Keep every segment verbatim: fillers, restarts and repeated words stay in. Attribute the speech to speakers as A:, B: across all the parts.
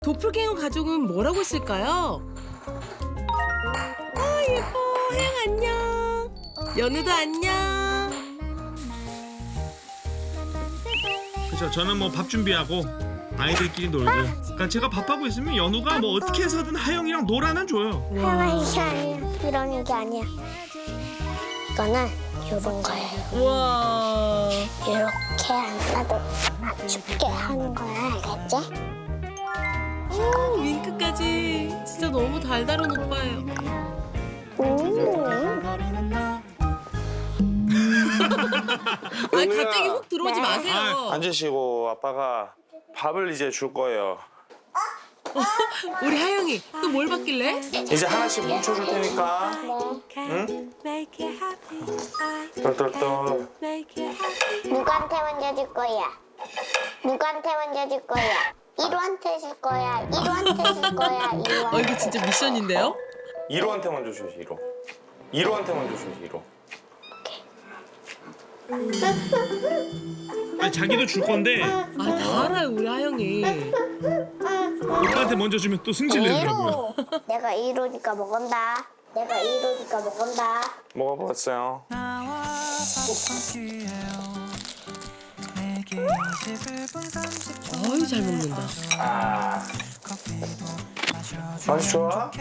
A: 도플갱어 가족은 뭘 하고 있을까요? 아 예뻐. 하영 안녕. 연우도 안녕.
B: 그렇죠. 저는 뭐 밥 준비하고 아이들끼리 놀고. 그러니까 제가 밥하고 있으면 연우가 뭐 어떻게 해서든 하영이랑 놀아는 줘요.
C: 하영이 이게 아니야. 이런 게 아니야. 이거는 이런 거예요.
A: 와.
C: 이렇게 앉아도 맞춥게 하는 거야, 알겠지?
A: 오 윙크까지. 진짜 너무 달달한 오빠예요.
C: 음.
A: 아 갑자기 훅 들어오지
C: 네.
A: 마세요.
D: 앉으시고 아빠가 밥을 이제 줄 거예요.
A: 우리 하영이 또 뭘 받길래?
D: 이제 하나씩 뭉쳐줄 테니까. 응? 똘똘똘.
C: 누구한테 먼저 줄 거야? 누구한테 먼저 줄 거야? 이루한테 줄 거야? 이루한테 줄 거야?
A: 어
C: 이루한테.
A: 이거 진짜 미션인데요?
D: 이로한테 먼저 줘야지, 이로. 이로한테 먼저 줘야지, 이로.
B: 아니 자기도 줄 건데
A: 아 다 알아요 우리 하영이.
B: 오빠한테 먼저 주면 또 승질내더라고요.
C: 이루. 내가 이루니까 먹은다. 내가 이루니까 먹은다.
D: 먹어봤어요.
A: 어이 잘 먹는다.
D: 아. 맛이 좋아?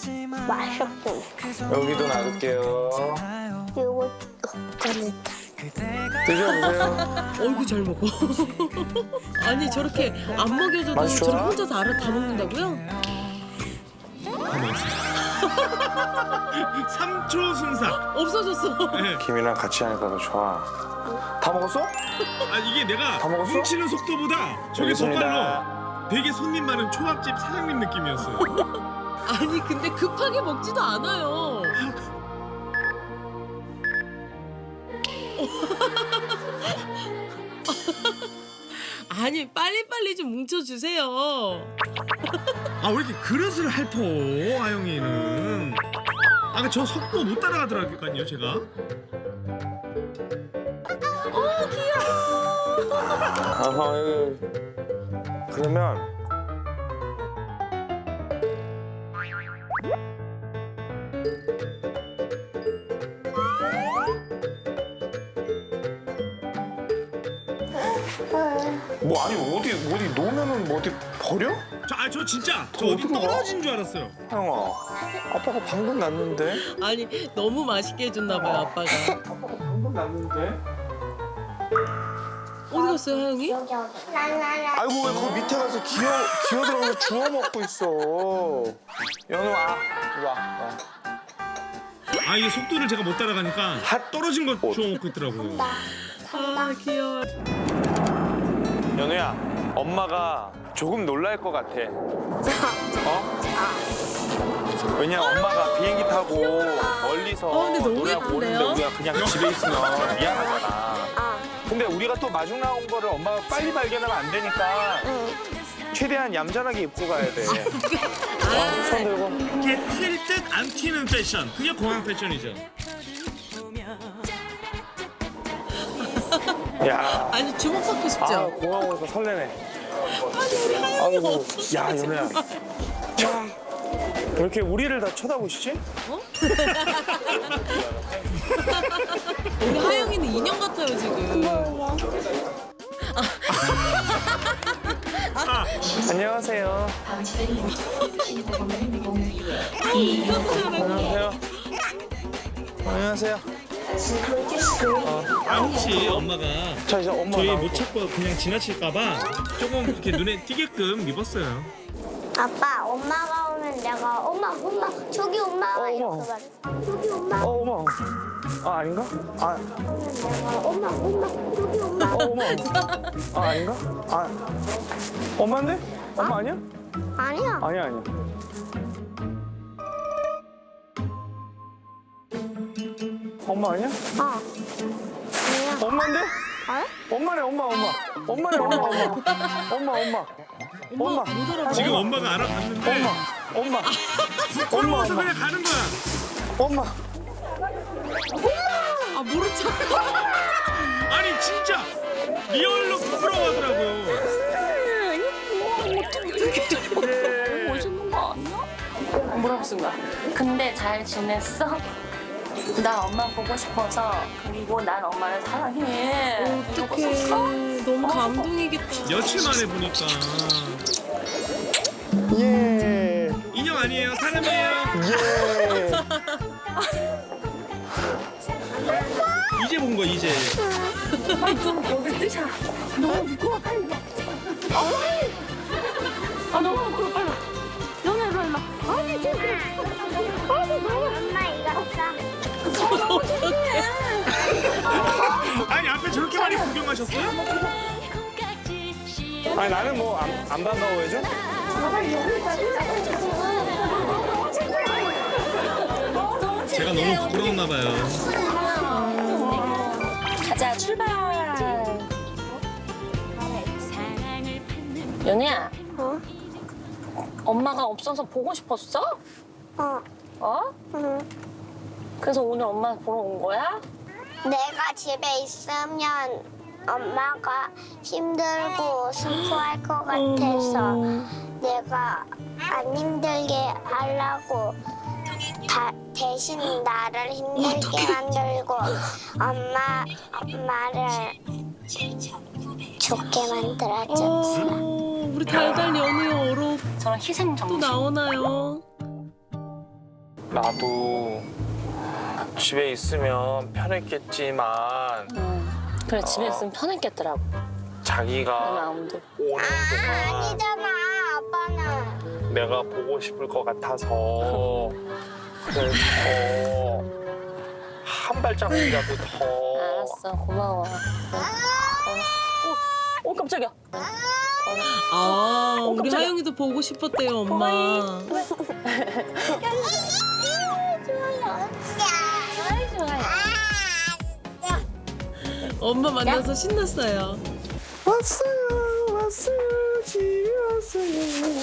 C: 맛있어.
D: 여기도 놔둘게요.
C: 이거 꺼냈다.
D: 드셔보세요.
A: 어이구 잘 먹어. 아니 저렇게 안 먹여줘도
D: 맛이 좋아?
A: 저렇게 혼자서 알아 다 먹는다고요?
B: 다 먹었어요. 삼 초 순삭.
A: 없어졌어.
B: 네.
D: 김이랑 같이 하니까 더 좋아. 다 먹었어?
B: 아 이게 내가
D: 다 먹었어?
B: 훔치는 속도보다 저게 더 빨라. 되게 손님 많은 초밥집 사장님 느낌이었어요.
A: 아니 근데 급하게 먹지도 않아요. 아니 빨리빨리 좀 뭉쳐주세요.
B: 아 왜 이렇게 그릇을 핥어 하영이는. 아 저 속도 못 따라가더라고요 제가.
D: 아하, 여기. 그러면 뭐 아니 어디 어디 놓으면은 뭐 어디 버려?
B: 저, 아, 저 진짜 저
D: 어,
B: 어디
D: 어떡해?
B: 떨어진 줄 알았어요.
D: 형아, 아빠가 방금 났는데.
A: 아니 너무 맛있게 해줬나 봐요 아빠가.
D: 아빠가 방금 났는데.
A: 어디 갔어요 하영이?
C: 여기 여기. 나나나.
D: 아이고 왜 그 밑에 가서 기어 기어 들어가서 주워 먹고 있어. 연우아, 이리 와. 와.
B: 아 이게 속도를 제가 못 따라가니까
D: 핫.
B: 떨어진 거 주워 먹고 있더라고요.
A: 아 귀여워.
D: 연우야, 엄마가 조금 놀랄 것 같아. 어? 왜냐 엄마가 비행기 타고 멀리서
A: 어, 근데 너무
D: 노래하고
A: 예쁜데요?
D: 오는데 우리가 그냥 집에 있으면 미안하잖아.
C: 아.
D: 근데 우리가 또 마중 나온 거를 엄마가 빨리 발견하면 안 되니까
C: 응.
D: 최대한 얌전하게 입고 가야 돼.
A: 아,
D: 손 들고.
B: 이렇게 튈 듯 안 튀는 패션. 그게 공항 패션이죠.
D: 야,
A: 아니 주목받고
D: 아
A: 싶죠?
D: 공항 오니까 설레네. 아이고, 야 연우야. 왜 이렇게 우리를 다 쳐다보시지?
A: 어? 우리 하영이는 인형 같아요 지금.
D: 안녕하세요. 안녕하세요. 안녕하세요.
B: 아 혹시 엄마가
D: 자 이제 엄마
B: 저희
D: 나오고.
B: 못 찾고 그냥 지나칠까봐 조금 이렇게 눈에 띄게끔 입었어요.
C: 아빠, 엄마가 오면 내가 엄마, 엄마, 저기 엄마
D: 어,
C: 이렇게
D: 엄마.
C: 말해. 저기 엄마.
D: 어 어머. 아 아닌가? 아
C: 내가 엄마, 엄마, 저기 엄마.
D: 어, 어머. 아 아닌가? 아 엄마인데? 엄마 아니야?
C: 아니야.
D: 아니야 아니야. 엄마 아니야?
C: 어. 아니야.
D: 엄마인데?
C: 어?
D: 엄마네 엄마 엄마. 엄마네 엄마 엄마. 엄마 엄마. 엄마.
A: 못 알아봐.
B: 지금 엄마가 알아봤는데
D: 엄마. 엄마. 엄마
B: 부끄러워서
D: 엄마.
B: 그냥 가는 거야.
D: 엄마.
A: 아 모른 척.
B: 아니 진짜 리얼로 부끄러워하더라고요.
C: 어떻게
B: 예.
E: 멋있는 거 아니야? 뭐라고 쓴 거야? 근데 잘 지냈어? 나 엄마 보고 싶어서 그리고 난 엄마를 사랑해.
A: 어떡해. 너무 감동이겠다.
B: 며칠 만에 보니까
D: 예.
B: 인형 아니에요, 사람이에요.
D: 예.
B: 이제 본 거 이제.
E: 아니 좀 여기 뜨자. 너무 무거워 빨리. 아 너무 무거워 빨리. 연아 일로 일로. 아니 지금.
C: 엄마 이거 써.
B: 아니 앞에 저렇게 많이 구경하셨어요?
D: 아니 나는 뭐 안 안 반가워해줘?
B: 제가 너무 부끄러웠나 봐요.
E: 가자 출발. 연희야.
C: 어?
E: 엄마가 없어서 보고 싶었어?
C: 어.
E: 어?
C: 응.
E: 그래서 오늘 엄마 보러 온 거야?
C: 내가 집에 있으면 엄마가 힘들고 슬퍼할 것 같아서 내가 안 힘들게 하려고 다, 대신 나를 힘들게 만들고 엄마 엄마를 좋게 만들어줬어.
A: 어, 우리 달달 연우의 어록
E: 저런 희생
A: 또
E: 정신.
A: 나오나요?
D: 나도 집에 있으면 편했겠지만
E: 음, 그래 집에 있으면 편했겠더라고. 내
D: 자기가
E: 마음도.
D: 오는
C: 아,
D: 동안
C: 아니잖아 아빠는.
D: 내가 보고 싶을 것 같아서 그래서 한 발짝이라도 더
E: 알았어 고마워. 어, 어 깜짝이야.
A: 아, 우리
E: 깜짝이야.
A: 하영이도 보고 싶었대요, 엄마.
E: 아이 좋아요.
A: 엄마 만나서 신났어요.
D: 왔어요 왔어요 집에 왔어요.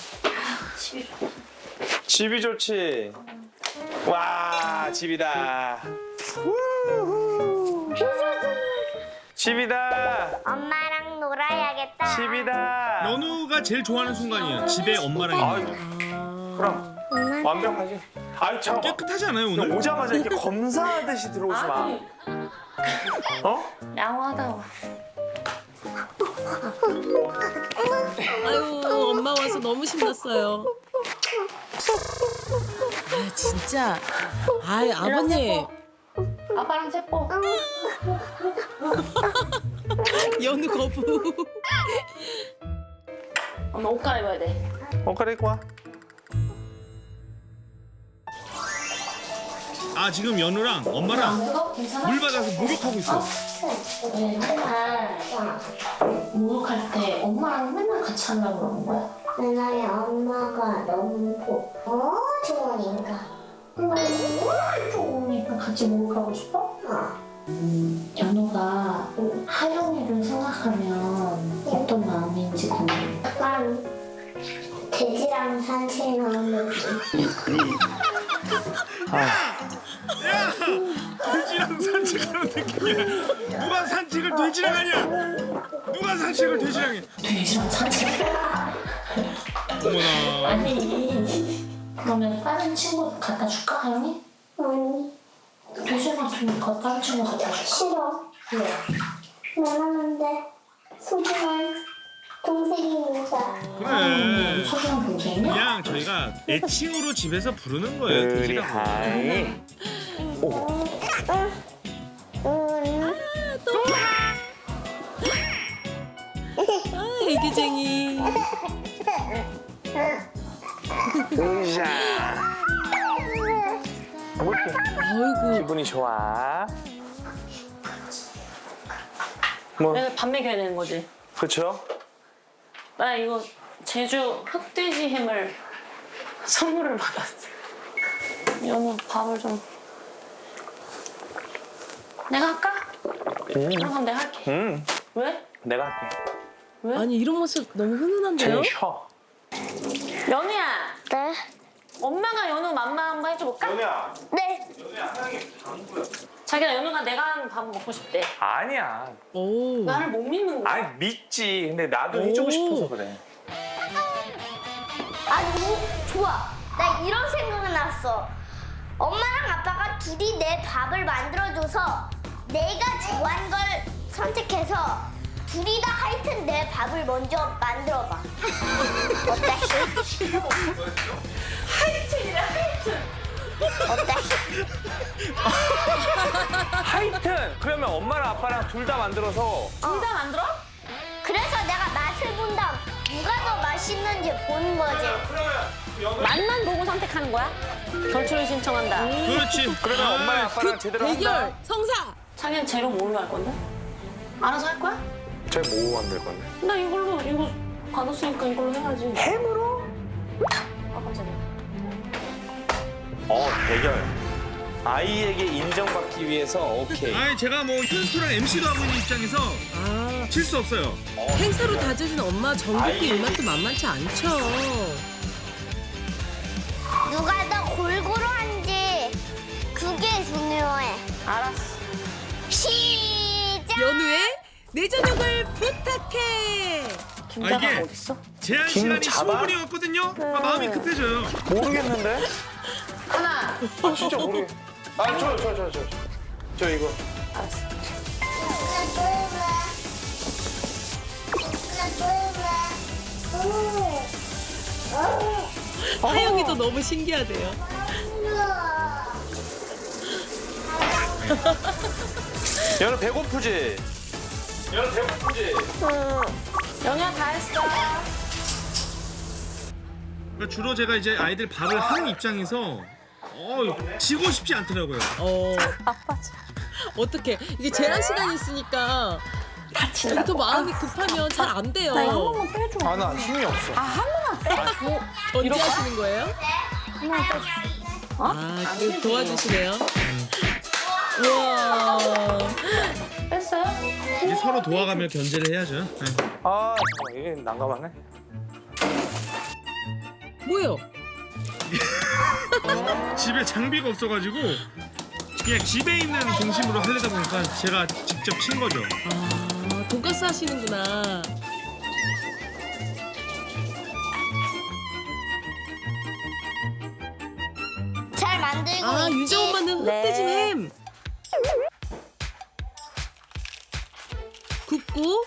D: 집이 좋지. 와 집이다. 우후. 집이다.
C: 엄마랑 놀아야겠다.
D: 집이다.
B: 연우가 제일 좋아하는 순간이에요. 집에 엄마랑
D: 아유,
B: 있는 거.
D: 그럼 완벽하지. 아유 잠깐.
B: 깨끗하지 않아요
D: 그냥
B: 오늘?
D: 오자마자 이렇게 검사하듯이 들어오지 마. 어?
E: 양호하다고.
A: 아유, 엄마 와서 너무 신났어요. 아, 진짜. 아이, 아버님.
E: 아빠랑 세뽀.
A: 연우 거부.
E: 엄마 옷 갈아입어야 돼.
D: 어 그래 입고 와.
B: 아 지금 연우랑 엄마랑
E: 이거 괜찮아?
B: 물 받아서 목욕하고 있어.
E: 네, 맨날 목욕할 때 엄마랑 맨날 같이 하려고 그러는 거야?
C: 왜냐면 엄마가 너무 보- 좋으니까.
E: 너무 좋으니까 같이 목욕하고 싶어?
C: 어.
E: 연우가 하영이를 생각하면 어떤 마음인지 궁금해.
C: 약간 돼지랑 산책하는 느낌.
B: 야! 돼지랑 산책하는 느낌이야. 누가 산책을 돼지랑 하냐? 누가 산책을 돼지랑 해?
E: 돼지랑 산책?
B: 어머나.
E: 아니 그러면 다른 친구 갖다 줄까 하영이?
C: 아니,
E: 돼지 같으니까 다른 친구 갖다 줄까?
C: 싫어.
E: 왜?
C: 미안한데 소중한 동생이니까.
B: 그래.
E: 소중한 동생이야?
B: 그냥 저희가 애칭으로 집에서 부르는 거예요. 돼지라고.
D: 하이. 오.
C: 응.
A: 아, 애기쟁이.
D: 으쌰. 뭐 이렇게
A: 아이고.
D: 기분이 좋아. 뭐
E: 내가 밥 먹여야 되는 거지.
D: 그렇죠?
E: 나 이거 제주 흑돼지 햄을 선물을 받았어. 연우 밥을 좀 내가 할까?
D: 음.
E: 그럼 내가 할게.
D: 음.
E: 왜?
D: 내가 할게.
E: 왜?
A: 아니, 이런 모습 너무 훈훈한데요?
D: 제일 쉬어.
E: 연우야,
C: 네.
E: 엄마가 연우 맘마 한번 해줘볼까?
D: 연우야.
C: 네.
D: 연우야 하영이 방구야.
E: 자기가 연우가 내가 하는 밥 먹고 싶대.
D: 아니야.
A: 오.
E: 나를 못 믿는 거야.
D: 아니 믿지. 근데 나도 해주고
A: 오.
D: 싶어서 그래.
C: 아니 좋아. 나 이런 생각이 났어. 엄마랑 아빠가 둘이 내 밥을 만들어줘서 내가 좋아하는 걸 선택해서 둘이 다 하여튼 내 밥을 먼저 만들어봐. 어때?
E: 하이튼이래 하이튼.
C: 어때?
D: 하여튼 그러면 엄마랑 아빠랑 둘 다 만들어서
E: 둘 다 만들어?
C: 그래서 내가 맛을 본 다음 누가 더 맛있는지 보는 거지.
E: 맛만 보고 선택하는 거야? 결투를 신청한다.
B: 그렇지.
D: 그러면
B: 아,
D: 엄마랑 아빠랑 제대로
A: 대결
D: 한다.
A: 성사.
E: 자기는 재료 뭘로 할 건데? 알아서 할 거야?
D: 저희 뭐 만들 건데?
E: 나 이걸로 이거 받았으니까 이걸로 해야지.
D: 햄으로?
E: 아 깜짝이야.
D: 어 대결. 아이에게 인정받기 위해서 오케이.
B: 아니 제가 뭐 현수랑 엠시도 하고 있는 입장에서
A: 아,
B: 질 수 없어요.
A: 행사로 다져진 엄마 전국구 입맛도 만만치 않죠.
C: 누가 더 골고루 한지 그게 중요해.
E: 알았어.
C: 시작.
A: 연우의 내 저녁을 부탁해.
E: 김자가
B: 아, 이게-
E: 어딨어?
B: 제한
D: 김
B: 시간이
D: 잡아?
B: 십오 분이었거든요. 아, 마음이 급해져요.
D: 모르겠는데?
E: 하나.
D: 아 진짜 모르겠. 아저 저 저 저 저 이거.
E: 알았어.
A: 하영이도 너무 신기하대요.
D: 연우 배고프지? 연우 배고프지?
E: 연우야 다 했어.
B: 그러니까 주로 제가 이제 아이들 밥을 하는 입장에서 어, 지고 싶지 않더라고요.
A: 어. 어떻게 이게 제한 시간이 있으니까
E: 다친다.
A: 또 마음이 급하면 잘 안 돼요.
E: 나 이거 한 번만 빼줘.
D: 아 나 힘이 없어.
E: 아 한 번만 빼줘.
A: 견제하시는 거예요?
E: 한 번만 빼줘. 어?
A: 아, 그 도와주시네요. 우와.
E: 뺐어요?
B: 이제 서로 도와가며 견제를 해야죠. 네.
D: 아 잠깐 이게 난감하네.
A: 뭐예요?
B: 집에 장비가 없어가지고 그냥 집에 있는 등심으로 하려다 보니까 제가 직접 친 거죠.
A: 아, 돈가스 하시는구나.
C: 잘 만들고
A: 아,
C: 있지?
A: 유정 엄마는
E: 네.
A: 흑돼지 햄. 굽고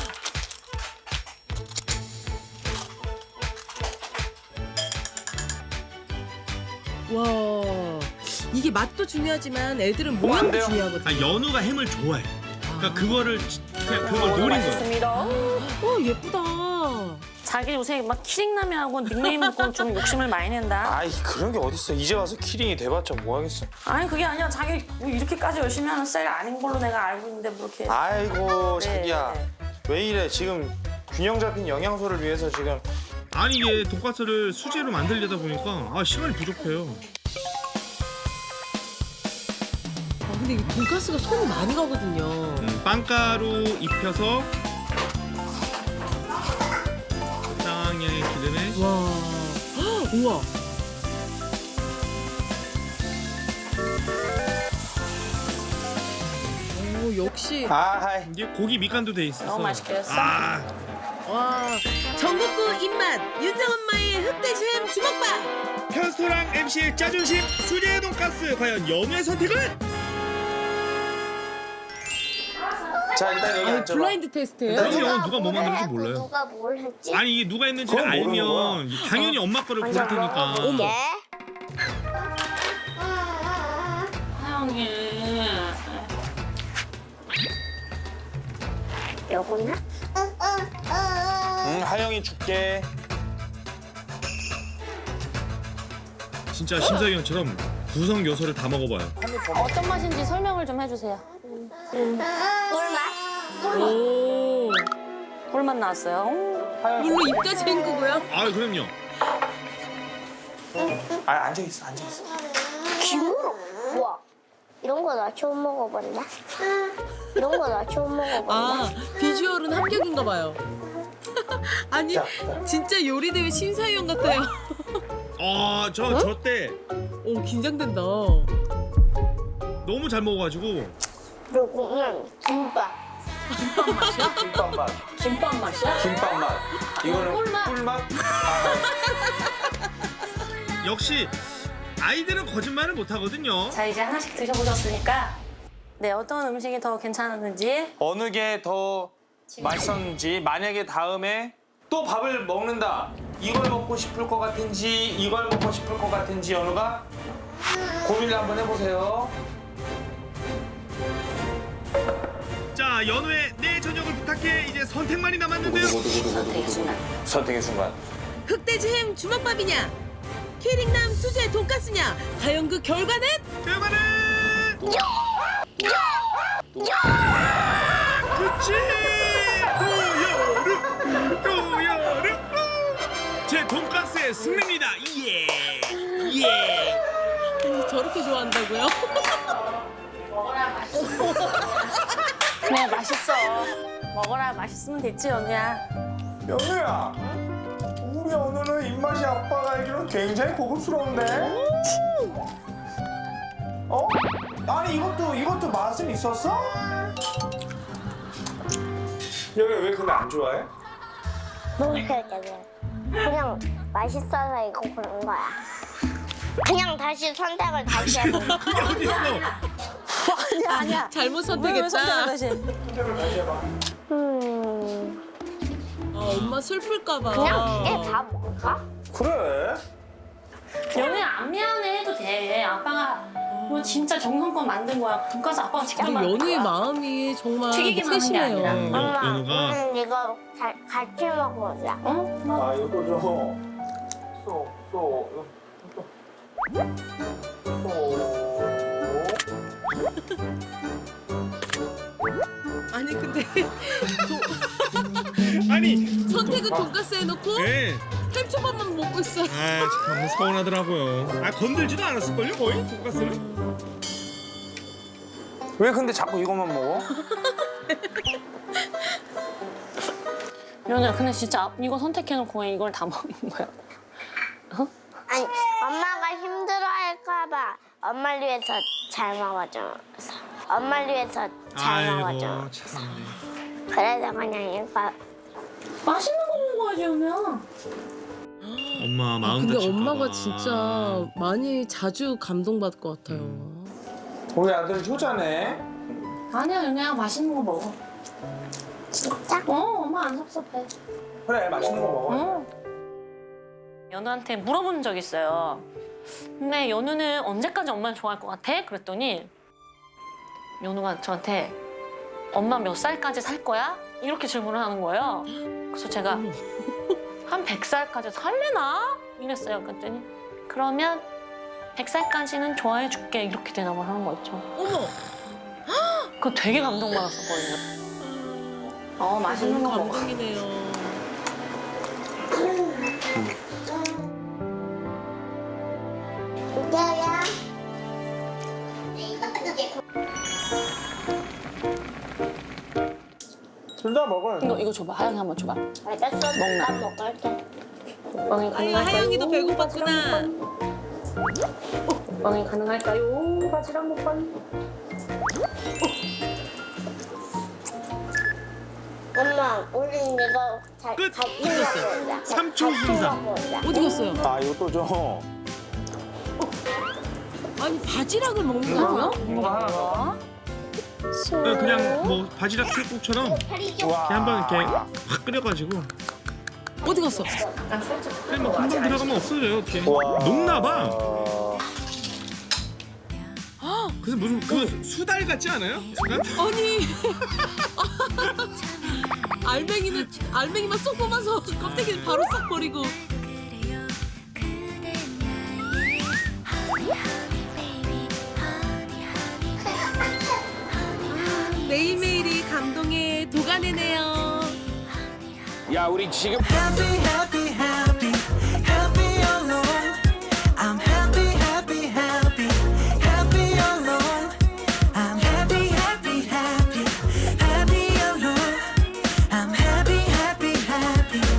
A: 와, 이게 맛도 중요하지만 애들은
D: 뭐안
A: 모양도
D: 돼요?
A: 중요하거든요.
B: 아, 연우가 햄을 좋아해. 그러니까 그거를 지- 그냥 그걸 노린 거예요.
E: 맛있습니다.
A: 와, 예쁘다.
E: 자기 요새 막 키링남이하고 닉네임 먹고 좀 욕심을 많이 낸다.
D: 아이 그런 게 어딨어. 이제 와서 키링이 돼봤자 뭐 하겠어.
E: 아니 그게 아니라 자기 뭐 이렇게까지 열심히 하는 스타일 아닌 걸로 내가 알고 있는데 뭐 이렇게.
D: 아이고
E: 네,
D: 자기야
E: 네.
D: 왜 이래. 지금 균형 잡힌 영양소를 위해서 지금.
B: 아니 이게 돈가스를 수제로 만들려다 보니까 아, 시간이 부족해요.
A: 아, 근데 이 돈가스가 손이 많이 가거든요.
B: 음, 빵가루 입혀서 적당량의 기름에
A: 와, 헉, 우와. 오, 역시.
D: 아하이.
B: 이게 고기 밑간도 돼 있어서
E: 너무 맛있게 했어?
B: 아,
A: 와, 전국구 입맛 윤정 엄마의 흑돼지 햄 주먹밥.
B: 편스토랑 엠시의 짜존심 수제 돈가스 과연 연우의 선택은?
D: 자 일단 여기
A: 아,
D: 앉아봐.
A: 블라인드 테스트예요?
B: 아니요, 누가 뭐
C: 뭘
B: 만드는지
C: 했고
B: 몰라요.
C: 누가 뭘 했지?
B: 아니 이게 누가 했는지를
D: 그건 모르는
B: 알면 당연히 엄마 거를 고를 테니까.
A: 어머.
C: 예?
E: 하영이.
C: 요거나?
D: 응 하영이 줄게.
B: 진짜 심사위원처럼 구성 요소를 다 먹어봐요.
E: 어떤 맛인지 설명을 좀 해주세요.
C: 꿀맛?
A: 오,
E: 꿀맛 나왔어요.
A: 물로 입까지 헹구고요.
B: 아 그럼요.
D: 아 앉아 있어 앉아 있어.
C: 김으로? 우와. 이런 거 나 처음 먹어본다. 이런 거 나 처음 먹어본다.
A: 아, 비주얼은 합격인가 봐요. 아니,
D: 자,
A: 진짜 요리대회 심사위원 같아요.
B: 아 저 저 때
A: 오, 긴장된다.
B: 너무 잘 먹어가지고
C: 그리고는 김밥.
E: 김밥 맛이야?
D: 김밥 맛.
E: 김밥 맛이야?
D: 김밥 맛. 이거는
E: 꿀맛.
D: 꿀맛. 아,
B: 역시 아이들은 거짓말을 못 하거든요.
E: 자 이제 하나씩 드셔보셨으니까 네 어떤 음식이 더 괜찮았는지
D: 어느 게 더 맛있었는지, 만약에 다음에 또 밥을 먹는다. 이걸 먹고 싶을 것 같은지, 이걸 먹고 싶을 것 같은지 연우가 고민을 한번 해보세요.
B: 자, 연우의 내 저녁을 부탁해. 이제 선택만이 남았는데요.
E: 선택의 순간.
D: 선택의 순간.
A: 흑돼지 햄 주먹밥이냐? 키링남 수제 돈가스냐? 과연 그 결과는?
B: 결과는 그치. 고여름 고여름 제 돈가스의 승리입니다. 예. 예.
A: 아니, 저렇게 좋아한다고요?
E: 그래 맛있어. 먹어라 맛있으면 됐지 연우야.
D: 연우야, 우리 연우는 입맛이 아빠가 알기로 굉장히 고급스러운데? 어? 아니 이것도 이것도 맛은 있었어? 연우야 왜 근데 안 좋아해?
C: 모르겠어요. 그냥 맛있어서 이거 고른 거야. 그냥 다시 선택을 다시 해보.
B: 그게 어딨어?
E: 아니야 아니야.
A: 잘못
E: 왜, 왜
A: 선택했다.
E: 선택을 다시?
D: 선택을 다시 해봐.
C: 음,
A: 아, 엄마 슬플까봐.
C: 그냥 이게 다 먹을까?
D: 그래?
E: 연우야 안 미안해 해도 돼. 아빠가 뭐 진짜 정성껏 만든 거야. 돈가스 아빠가 직접
A: 근데
E: 만든
A: 연우의
E: 거야.
A: 마음이 정말
E: 튀기기만 한게
A: 세심해요.
E: 아니라.
B: 음, 연-
C: 엄마,
B: 연우가
C: 음, 이거 잘, 같이 먹어보자.
E: 어?
D: 아 이것도 좀 쏘, 쏘, 쏘.
A: 아니 근데
B: 아니.
A: 선택은 돈가스 해놓고
B: 네.
A: 햄초밥만 먹고 있어.
B: 아, 참 서운하더라고요. 아, 건들지도 않았을걸요, 거의 돈가스를?
D: 왜 근데 자꾸 이것만 먹어?
E: 연우야 근데 진짜 이거 선택해놓고 이걸 다 먹는 거야.
C: 아니, 엄마가 힘들어할까봐 엄마를 위해서 잘 먹어줘서. 엄마를 위해서 잘
B: 아이고,
C: 먹어줘.
B: 참.
C: 그래서 그냥 이거.
E: 맛있는 거 먹어야지 연우야.
B: 엄마 마음
A: 근데
B: 다칠까
A: 엄마가
B: 봐.
A: 진짜 많이 자주 감동받을 것 같아요.
D: 우리 아들 효자네.
E: 아니야 연우야 맛있는 거 먹어.
C: 진짜?
E: 어 엄마 안 섭섭해.
D: 그래 맛있는 거 먹어.
E: 어. 연우한테 물어본 적 있어요. 근데 연우는 언제까지 엄마를 좋아할 것 같아? 그랬더니 연우가 저한테 엄마 몇 살까지 살 거야? 이렇게 질문을 하는 거예요. 그래서 제가
A: 어머.
E: 한 백 살까지 살래나? 이랬어요. 그랬더니 그러면 백 살까지는 좋아해 줄게 이렇게 대답을 하는 거 있죠.
A: 어머.
E: 그거 되게 감동받았었거든요. 어 맛있는 거
A: 너무
E: 먹어.
A: 감동이네요.
C: 이제야.
D: 둘 다 먹어.
E: 이거 이거 줘봐. 하영이 한번 줘봐.
C: 알겠어,
E: 먹나?
C: 나 먹을게.
E: 먹방이
A: 아유,
E: 가능할까요?
A: 하영이도 배고팠구나.
E: 먹방이 가능할까요? 바지락 먹방.
C: 엄마, 우리 이거 잘,
B: 끝!
C: 같이
A: 끝났어요.
C: 먹어보자.
B: 삼 초
C: 같이
B: 순삭.
C: 먹어보자.
A: 어디 갔어요?
D: 아 이것도 좀.
A: 아니 바지락을 먹는다고요?
D: 이거 하나 더.
B: 네, 그냥 뭐 바지락 술국처럼
D: 와.
B: 그냥 한번 이렇게 확 끓여가지고
A: 어디 갔어?
B: 그냥 뭐 금방 들어가면 없어져요. 어떻게
D: 와.
B: 녹나봐. 그래서 무슨 그 수달 같지 않아요? 약간?
A: 아니 알맹이는 알맹이만 쏙 뽑아서 껍데기는 바로 싹 버리고. 매일매일이 감동의 도가니네요.
D: 야 우리 지금
F: happy, happy,